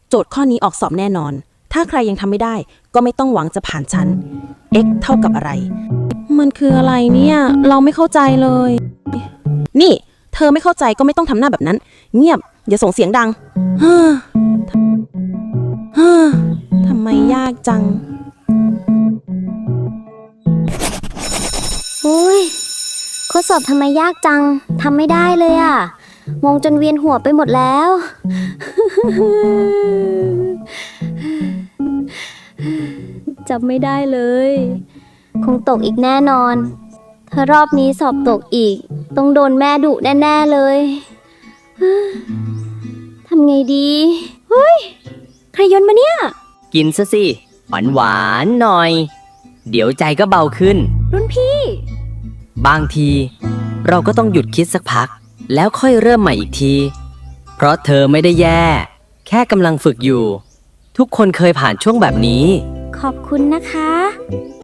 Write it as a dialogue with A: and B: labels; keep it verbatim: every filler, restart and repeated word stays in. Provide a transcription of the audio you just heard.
A: โจทย์ข้อนี้ออกสอบแน่นอนถ้าใครยังทำไม่ได้ก็ไม่ต้องหวังจะผ่านฉัน x เท่ากับอะไรมันคืออะไรเนี่ยเราไม่เข้าใจเลยนี่เธอไม่เข้าใจก็ไม่ต้องทำหน้าแบบนั้นเงียบอย่าส่งเสียงดังฮ่าฮ่าทำไมยากจัง
B: โอ้ยข้อสอบทำไมยากจังทำไม่ได้เลยอะมองจนเวียนหัวไปหมดแล้ว จำไม่ได้เลยคงตกอีกแน่นอนถ้ารอบนี้สอบตกอีกต้องโดนแม่ดุแน่ๆเลยทำไงดีเฮ้ยใครโยนมาเนี่ย
C: กินซะสิหวานหวานหน่อย เดี๋ยวใจก็เบาขึ้น
B: รุ่นพี่
C: บางที เราก็ต้องหยุดคิดสักพัก แล้วค่อยเริ่มใหม่อีกที เพราะเธอไม่ได้แย่ แค่กำลังฝึกอยู่ ทุกคนเคยผ่านช่วงแบบนี้
B: ขอบคุณนะคะ